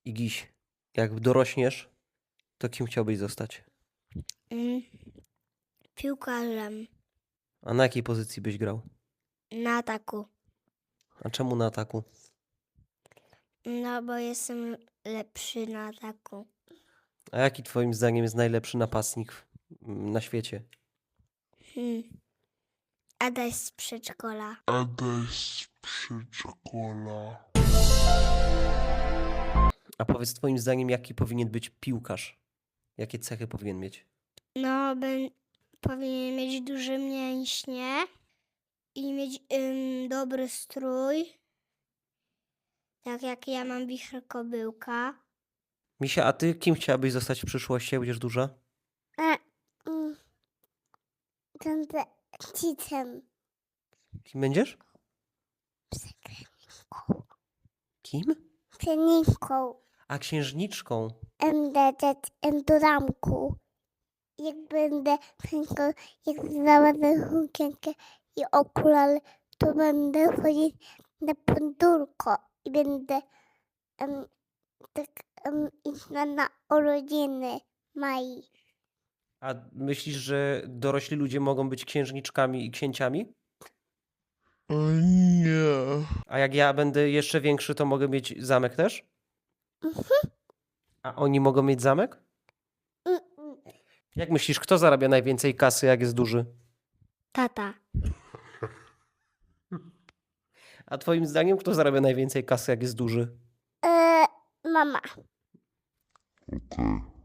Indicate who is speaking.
Speaker 1: Igiś, jak dorośniesz, to kim chciałbyś zostać?
Speaker 2: Piłkarzem
Speaker 1: A na jakiej pozycji byś grał?
Speaker 2: na ataku.
Speaker 1: A czemu na ataku?
Speaker 2: No bo jestem lepszy na ataku.
Speaker 1: A jaki twoim zdaniem jest najlepszy napastnik na świecie?
Speaker 2: Adaś z przedszkola.
Speaker 3: Adaś z przedszkola.
Speaker 1: A powiedz twoim zdaniem, jaki powinien być piłkarz? Jakie cechy powinien mieć?
Speaker 2: No, powinien mieć duże mięśnie i mieć dobry strój. Tak jak ja mam wicher kobyłka.
Speaker 1: Misia, a ty kim chciałabyś zostać w przyszłości, jak będziesz duża?
Speaker 2: Będę cicem.
Speaker 1: Kim będziesz? Kim?
Speaker 2: Pianinką.
Speaker 1: A księżniczką.
Speaker 2: Będę do ramku. Jak będę jak założę sukienkę i okulary, to będę chodzić na podwórko i będę iść na urodziny Mai.
Speaker 1: A myślisz, że dorośli ludzie mogą być księżniczkami i księciami?
Speaker 3: Nie.
Speaker 1: A jak ja będę jeszcze większy, to mogę mieć zamek też? A oni mogą mieć zamek? Jak myślisz, kto zarabia najwięcej kasy, jak jest duży?
Speaker 2: Tata.
Speaker 1: A twoim zdaniem, kto zarabia najwięcej kasy, jak jest duży?
Speaker 2: Mama.
Speaker 3: Okej.